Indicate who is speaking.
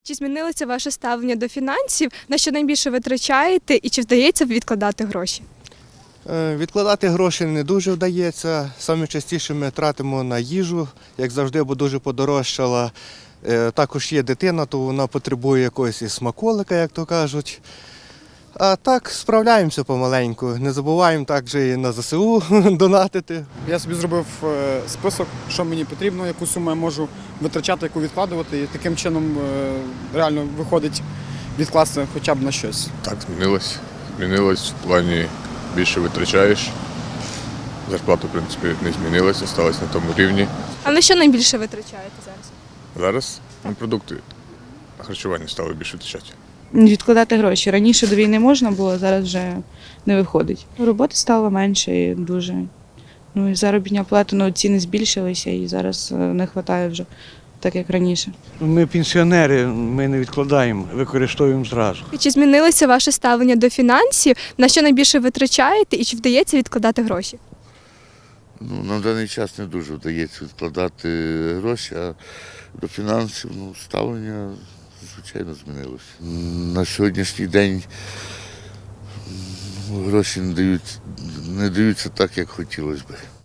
Speaker 1: Чи змінилося ваше ставлення до фінансів? На що найбільше витрачаєте і чи вдається відкладати гроші?
Speaker 2: Відкладати гроші не дуже вдається. Саме частіше ми тратимо на їжу, як завжди, бо дуже подорожчала. Також є дитина, то вона потребує якогось і смаколика, як то кажуть. А так справляємося помаленьку. Не забуваємо також і на ЗСУ донатити.
Speaker 3: Я собі зробив список, що мені потрібно, яку суму я можу витрачати, яку відкладувати. І таким чином реально виходить відкласти хоча б на щось.
Speaker 4: Так, змінилось. Змінилось в плані більше витрачаєш. Зарплата, в принципі, не змінилася, залишилась на тому рівні.
Speaker 1: А на що найбільше витрачаєте зараз?
Speaker 4: Зараз на продукти, на харчування стали більше витрачати.
Speaker 5: Відкладати гроші. Раніше до війни можна було, зараз вже не виходить. Роботи стало менше і дуже. Ну і заробітня плата, ціни збільшилися і зараз не вистачає вже так, як раніше.
Speaker 6: Ми пенсіонери, ми не відкладаємо, використовуємо зразу.
Speaker 1: І чи змінилося ваше ставлення до фінансів? На що найбільше витрачаєте і чи вдається відкладати гроші?
Speaker 7: На даний час не дуже вдається відкладати гроші, а до фінансів ставлення, звичайно, змінилося. На сьогоднішній день гроші не даються так, як хотілося б.